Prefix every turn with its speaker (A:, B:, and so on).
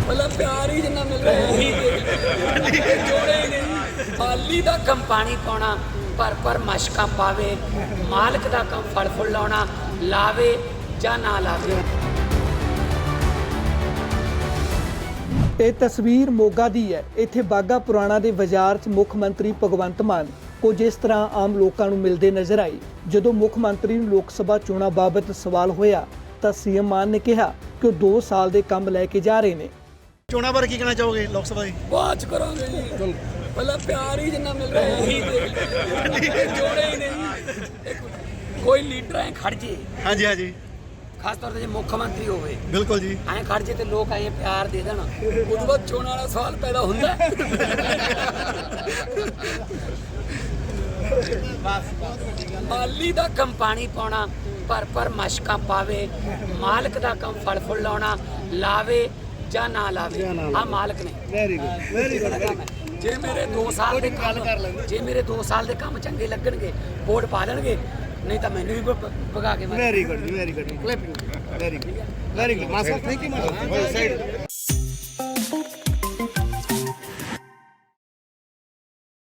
A: मतलब प्यार ही जिन्ना मिल रहा है जोड़े ही नहीं माली दा कम पानी पाना पर मशका पावे मालक दा कम फल फुल लाना लावे जा ना लावे।
B: ਇਹ ਤਸਵੀਰ ਮੋਗਾ ਦੀ ਹੈ। ਇੱਥੇ ਬਾਗਾ ਪੁਰਾਣਾ ਦੇ ਬਾਜ਼ਾਰ 'ਚ ਮੁੱਖ ਮੰਤਰੀ ਭਗਵੰਤ ਮਾਨ ਕੁਝ ਇਸ ਤਰ੍ਹਾਂ ਆਮ ਲੋਕਾਂ ਨੂੰ ਮਿਲਦੇ ਨਜ਼ਰ ਆਏ। ਜਦੋਂ ਮੁੱਖ ਮੰਤਰੀ ਨੂੰ ਲੋਕ ਸਭਾ ਚੋਣਾਂ ਬਾਬਤ ਸਵਾਲ ਹੋਇਆ ਤਾਂ ਸੀਐਮ ਮਾਨ ਨੇ ਕਿਹਾ ਕਿ ਉਹ 2 ਸਾਲ ਦੇ ਕੰਮ ਲੈ ਕੇ ਜਾ ਰਹੇ ਨੇ।
C: ਚੋਣਾਂ ਬਾਰੇ ਕੀ ਕਹਿਣਾ ਚਾਹੋਗੇ ਲੋਕ ਸਭਾ ਦੀ?
A: ਬਾਤ ਕਰਾਂਗੇ ਜੀ मतलब प्यार ही जिन्ना मिल रहा है जोड़े ही नहीं कोई लीडर ऐ खड़ जे
C: ਹਾਂਜੀ ਹਾਂਜੀ
A: खास तौर ते मुख्य मंत्री होवे
C: ਬਿਲਕੁਲ जी
A: ऐ खड़ जे ते लोग ऐ प्यार दे देना उस बाद चोण वाला सवाल पैदा हुंदा माली दा कम पानी पाना पर मशका पावे मालक दा कम फल फुल लाना लावे जा ना लावे आ मालक ने
C: ਵੈਰੀ ਗੁੱਡ
A: ਜੇ ਮੇਰੇ 2 ਸਾਲ ਦੇ ਕੰਮ ਜੇ ਮੇਰੇ 2 ਸਾਲ ਦੇ ਕੰਮ ਚੰਗੇ ਲੱਗਣਗੇ ਵੋਟ ਪਾ ਲੈਣਗੇ ਨਹੀਂ ਤਾਂ ਮੈਨੂੰ ਵੀ ਭਗਾ ਕੇ ਮਾਰ
C: very good very good clipping very good master thank you master side